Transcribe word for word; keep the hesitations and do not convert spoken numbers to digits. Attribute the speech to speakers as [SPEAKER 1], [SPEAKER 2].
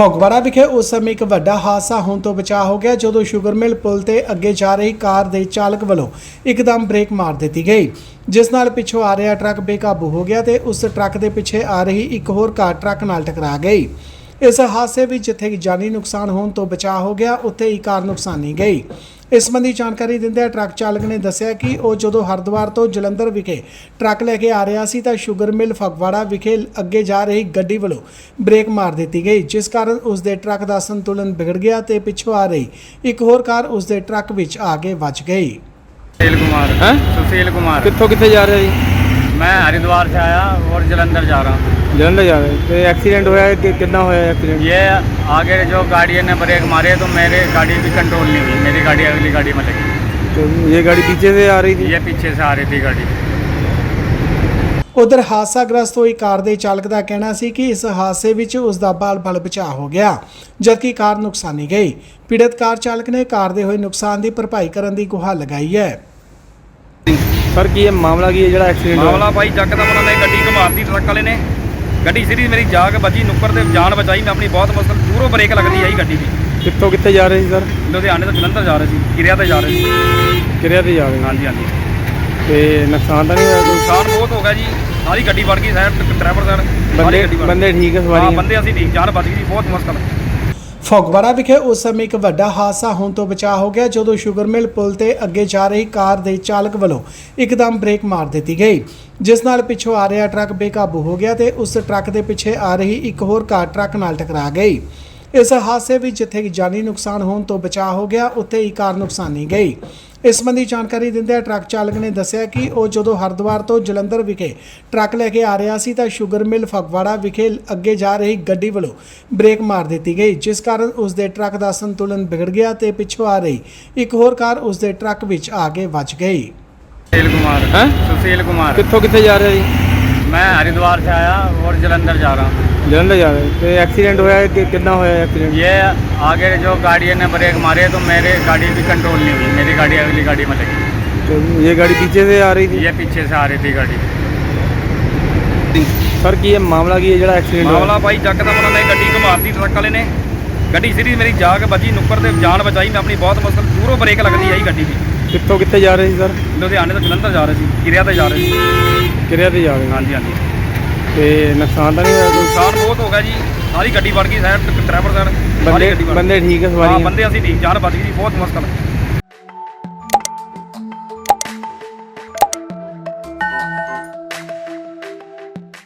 [SPEAKER 1] ਫਗਵਾੜਾ ਵਿਖੇ ਉਸ ਸਮੇਂ ਇੱਕ ਵੱਡਾ ਹਾਦਸਾ ਹੋਣ ਤੋਂ ਬਚਾ ਹੋ ਗਿਆ ਜਦੋਂ ਸ਼ੂਗਰ ਮਿਲ ਪੁਲ ਤੇ ਅੱਗੇ ਜਾ ਰਹੀ ਕਾਰ ਦੇ ਚਾਲਕ ਵੱਲੋਂ ਇੱਕਦਮ ਬ੍ਰੇਕ ਮਾਰ ਦਿੱਤੀ ਗਈ, ਜਿਸ ਨਾਲ ਪਿੱਛੋਂ ਆ ਰਿਹਾ ਟਰੱਕ ਬੇਕਾਬੂ ਹੋ ਗਿਆ ਤੇ ਉਸ ਟਰੱਕ ਦੇ ਪਿੱਛੇ ਆ ਰਹੀ ਇੱਕ ਹੋਰ ਕਾਰ ਟਰੱਕ ਨਾਲ ਟਕਰਾ ਗਈ। ਇਸ ਹਾਦਸੇ ਵਿੱਚ ਜਿੱਥੇ ਜਾਨੀ ਨੁਕਸਾਨ ਹੋਣ ਤੋਂ ਬਚਾ ਹੋ ਗਿਆ, ਉੱਥੇ ਹੀ ਕਾਰ ਨੁਕਸਾਨੀ ਗਈ। ਇਸ ਸੰਬੰਧੀ ਜਾਣਕਾਰੀ ਦਿੰਦਿਆਂ ਟਰੱਕ ਚਾਲਕ ਨੇ ਦੱਸਿਆ ਕਿ ਉਹ ਜਦੋਂ ਹਰਿਦੁਆਰ ਤੋਂ ਜਲੰਧਰ ਵਿਖੇ ਟਰੱਕ ਲੈ ਕੇ ਆ ਰਿਹਾ ਸੀ ਤਾਂ ਸ਼ੂਗਰ ਮਿਲ ਫਗਵਾੜਾ ਵਿਖੇ ਅੱਗੇ ਜਾ ਰਹੀ ਗੱਡੀ ਵੱਲੋਂ ਬ੍ਰੇਕ ਮਾਰ ਦਿੱਤੀ ਗਈ, ਜਿਸ ਕਾਰਨ ਉਸ ਦੇ ਟਰੱਕ ਦਾ ਸੰਤੁਲਨ ਵਿਗੜ ਗਿਆ ਤੇ ਪਿੱਛੋਂ ਆ ਰਹੀ ਇੱਕ ਹੋਰ ਕਾਰ ਉਸ ਦੇ ਟਰੱਕ ਵਿੱਚ ਆ ਕੇ ਵੱਜ ਗਈ।
[SPEAKER 2] सुशील कुमार
[SPEAKER 3] हैं?
[SPEAKER 2] सुशील कुमार
[SPEAKER 3] कित्थों कित्थे जा रहे जी?
[SPEAKER 2] मैं हरिद्वार से आया और जलंधर जा रहा हूँ।
[SPEAKER 3] जलंधर जा रहे तो एक्सीडेंट होया है कि कितना होया एक्सीडेंट?
[SPEAKER 2] ये आगे जो गाड़ी ने ब्रेक मारे तो मेरे गाड़ी भी कंट्रोल नहीं हुई, मेरी गाड़ी अगली गाड़ी में लगी।
[SPEAKER 3] तो ये गाड़ी पीछे से आ रही थी?
[SPEAKER 2] ये पीछे से आ रही थी गाड़ी।
[SPEAKER 1] ਉਧਰ ਹਾਦਸਾਗ੍ਰਸਤ ਹੋਈ ਕਾਰ ਦੇ ਚਾਲਕ ਦਾ ਕਹਿਣਾ ਸੀ ਕਿ ਇਸ ਹਾਦਸੇ ਵਿੱਚ ਉਸ ਦਾ ਬਾਲ-ਬਾਲ ਬਚਾਅ ਹੋ ਗਿਆ, ਜਦਕਿ ਕਾਰ ਨੁਕਸਾਨੀ ਗਈ। ਪੀੜਤ ਕਾਰ ਚਾਲਕ ਨੇ ਕਾਰ ਦੇ ਹੋਏ ਨੁਕਸਾਨ ਦੀ ਭਰਪਾਈ ਕਰਨ ਦੀ ਗੁਹਾਰ ਲਗਾਈ ਹੈ।
[SPEAKER 3] सर की ये मामला की है ਜਿਹੜਾ एक्सीडेंट
[SPEAKER 2] मामला भाई जकदम उन्होंने गड्डी घुमाती ट्रक वाले ने, गड्डी सीधी मेरी जाग बची नुक्कड़ ते जान बचाई। मैं अपनी बहुत मुश्किल दूरों ब्रेक लगती आई गड्डी की।
[SPEAKER 3] कित्थों कित्थे जा रहे सी सर?
[SPEAKER 2] लुधियाने तो जलंधर जा रहे थे, किरिया ते जा रहे थे।
[SPEAKER 3] किरिया ते जा रहे
[SPEAKER 2] हाँ जी हाँ जी।
[SPEAKER 3] ते नुकसान तो नहीं होया कोई?
[SPEAKER 2] नुकसान बहुत हो गया जी, सारी गड्डी बढ़ गई साइड, ड्राइवर साइड
[SPEAKER 3] बंदे
[SPEAKER 2] गड्डी बढ़
[SPEAKER 3] बंदे ठीक है
[SPEAKER 2] हाँ
[SPEAKER 3] सवारी?
[SPEAKER 2] बंदे असं ठीक, जान बच गई, बहुत मुश्किल है।
[SPEAKER 1] ਫਗਵਾੜਾ ਵਿਖੇ ਉਸ ਸਮੇਂ ਇੱਕ ਵੱਡਾ ਹਾਦਸਾ ਹੋਣ ਤੋਂ ਬਚਾ ਹੋ ਗਿਆ ਜਦੋਂ ਸ਼ੂਗਰ ਮਿਲ ਪੁਲ ਤੇ ਅੱਗੇ ਜਾ ਰਹੀ ਕਾਰ ਦੇ ਚਾਲਕ ਵੱਲੋਂ ਇੱਕਦਮ ਬ੍ਰੇਕ ਮਾਰ ਦਿੱਤੀ ਗਈ, ਜਿਸ ਨਾਲ ਪਿੱਛੋਂ ਆ ਰਿਹਾ ਟਰੱਕ ਬੇਕਾਬੂ ਹੋ ਗਿਆ ਤੇ ਉਸ ਟਰੱਕ ਦੇ ਪਿੱਛੇ ਆ ਰਹੀ ਇੱਕ ਹੋਰ ਕਾਰ ਟਰੱਕ ਨਾਲ ਟਕਰਾ ਗਈ। ਇਸ ਹਾਦਸੇ ਵਿੱਚ ਜਿੱਥੇ ਜਾਨੀ ਨੁਕਸਾਨ ਹੋਣ ਤੋਂ ਬਚਾ ਹੋ ਗਿਆ, ਉੱਥੇ ਹੀ ਕਾਰ ਨੁਕਸਾਨੀ ਗਈ। ਇਸ ਸੰਬੰਧੀ ਜਾਣਕਾਰੀ ਦਿੰਦਿਆਂ ਟਰੱਕ ਚਾਲਕ ਨੇ ਦੱਸਿਆ ਕਿ ਉਹ ਜਦੋਂ ਹਰਿਦੁਆਰ ਤੋਂ ਜਲੰਧਰ ਵਿਖੇ ਟਰੱਕ ਲੈ ਕੇ ਆ ਰਿਹਾ ਸੀ ਤਾਂ ਸ਼ੂਗਰ ਮਿਲ ਫਗਵਾੜਾ ਵਿਖੇ ਅੱਗੇ ਜਾ ਰਹੀ ਗੱਡੀ ਵੱਲੋਂ ਬ੍ਰੇਕ ਮਾਰ ਦਿੱਤੀ ਗਈ, ਜਿਸ ਕਾਰਨ ਉਸ ਦੇ ਟਰੱਕ ਦਾ ਸੰਤੁਲਨ ਵਿਗੜ ਗਿਆ ਤੇ ਪਿੱਛੋਂ ਆ ਰਹੀ ਇੱਕ ਹੋਰ ਕਾਰ ਉਸ ਦੇ ਟਰੱਕ ਵਿੱਚ ਆ ਕੇ ਵੱਜ ਗਈ।
[SPEAKER 2] सुशील कुमार
[SPEAKER 3] हैं?
[SPEAKER 2] सुशील कुमार
[SPEAKER 3] कित्थों कित्थे जा रहे जी?
[SPEAKER 2] मैं हरिद्वार से आया और जलंधर जा रहा हूँ।
[SPEAKER 3] जलंधर जा रहे तो एक्सीडेंट होया है कि कितना होया एक्सीडेंट?
[SPEAKER 2] ये आगे जो गाड़ी ने ब्रेक मारे तो मेरे गाड़ी भी कंट्रोल नहीं हुई, मेरी गाड़ी अगली गाड़ी में लगी।
[SPEAKER 3] तो ये गाड़ी पीछे से आ रही थी?
[SPEAKER 2] ये पीछे से आ रही थी गाड़ी।
[SPEAKER 3] सर की ये मामला की है ਜਿਹੜਾ एक्सीडेंट
[SPEAKER 2] मामला भाई जकदम उन्होंने गड्डी घुमाती ट्रक वाले ने, गड्डी सीधी मेरी जाग बची नुक्कड़ ते जान बचाई। मैं अपनी बहुत मुश्किल दूरों ब्रेक लगती आई गड्डी की।
[SPEAKER 3] कित्थों कित्थे जा रहे सी सर?
[SPEAKER 2] लुधियाने तो जलंधर जा रहे थे, किरिया ते जा रहे थे।
[SPEAKER 3] किरिया ते जा रहे
[SPEAKER 2] हाँ जी हाँ जी।
[SPEAKER 3] ते नुकसान तो नहीं होया कोई?
[SPEAKER 2] नुकसान बहुत हो गया जी, सारी गड्डी बढ़ गई साइड, ड्राइवर साइड
[SPEAKER 3] बंदे
[SPEAKER 2] गड्डी बढ़
[SPEAKER 3] बंदे ठीक है
[SPEAKER 2] हाँ
[SPEAKER 3] सवारी?
[SPEAKER 2] बंदे असं ठीक, जान बच गई, बहुत मुश्किल है।